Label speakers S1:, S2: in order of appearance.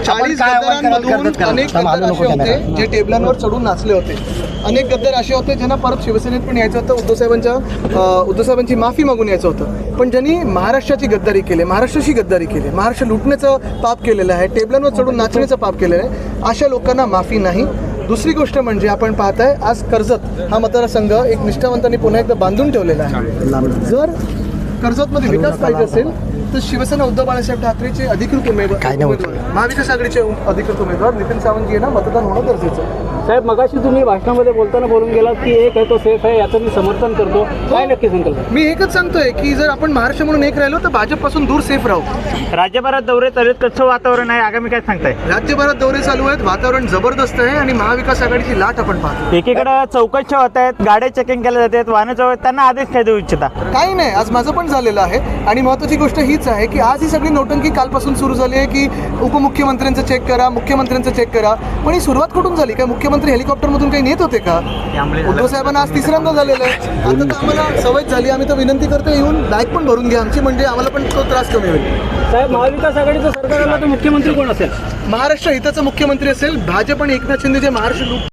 S1: 40 गद्दारांमधून अनेक गद्दार असे होते जे टेबलांवर चढून नाचले होते. अनेक गद्दार असे होते ज्यांना परत शिवसेनेत पण यायचं होतं, उद्धव साहेबांची माफी मागून यायचं होतं. पण ज्यांनी महाराष्ट्राची गद्दारी केली, महाराष्ट्राची गद्दारी केली, महाराष्ट्र लुटण्याचं पाप केलेलं आहे, टेबलांवर चढून नाचण्याचं पाप केलेलं आहे, अशा लोकांना माफी नाही. दुसरी गोष्ट म्हणजे आपण पाहताय आज कर्जत हा मतदारसंघ एक निष्ठावंतांनी पुन्हा एकदा बांधून ठेवलेला आहे. जर कर्जतमध्ये विकास पाहिजे असेल तर शिवसेना उद्धव बाळासाहेब ठाकरेचे अधिकृत उमेदवार, महाविकास आघाडीचे अधिकृत उमेदवार नितीन सावंत यांना मतदान होणं गरजेचं आहे.
S2: साहेब, मगाशी तुम्ही भाषणामध्ये बोलताना बोलून गेलात की एक आहे तो सेफ आहे, याचं मी समर्थन करतो. काय नक्की संकल्प?
S1: मी एकच सांगतोय की जर आपण महाराष्ट्र म्हणून एक राहिलो तर भाजपपासून दूर सेफ राहू.
S2: राज्यभरात दौरे चालू आहेत, कसं वातावरण आहे, आगामी काय सांगताय?
S1: राज्यभरात दौरे चालू आहेत, वातावरण जबरदस्त आहे आणि महाविकास आघाडीची लाट आपण पाहतो.
S2: एकीकडे चौकशा होत आहेत, गाड्या चेकिंग केल्या जातात, वाहनं जवळ, त्यांना आदेश काय देऊ इच्छिता?
S1: काही नाही, आज माझं पण झालेलं आहे. आणि महत्त्वाची गोष्ट हीच आहे की आज ही सगळी नोटंकी कालपासून सुरू झाली आहे की उपमुख्यमंत्र्यांचं चेक करा, मुख्यमंत्र्यांचं चेक करा. पण ही सुरुवात कुठून झाली? काय मुख्यमंत्री हेलिकॉप्टरमधून काही नेत होते का? उद्धव साहेबांना आज तिसऱ्यांदा झालेलं आहे. आता तर आम्हाला सवय झाली, आम्ही तर विनंती करतो येऊन बॅग पण भरून घ्या आमची, म्हणजे आम्हाला पण तो त्रास कमी होईल.
S2: साहेब, महाविकास आघाडीचं सरकार आलं तर मुख्यमंत्री कोण असेल?
S1: महाराष्ट्र हिताचा मुख्यमंत्री असेल. भाजप आणि एकनाथ शिंदे जे महाराष्ट्र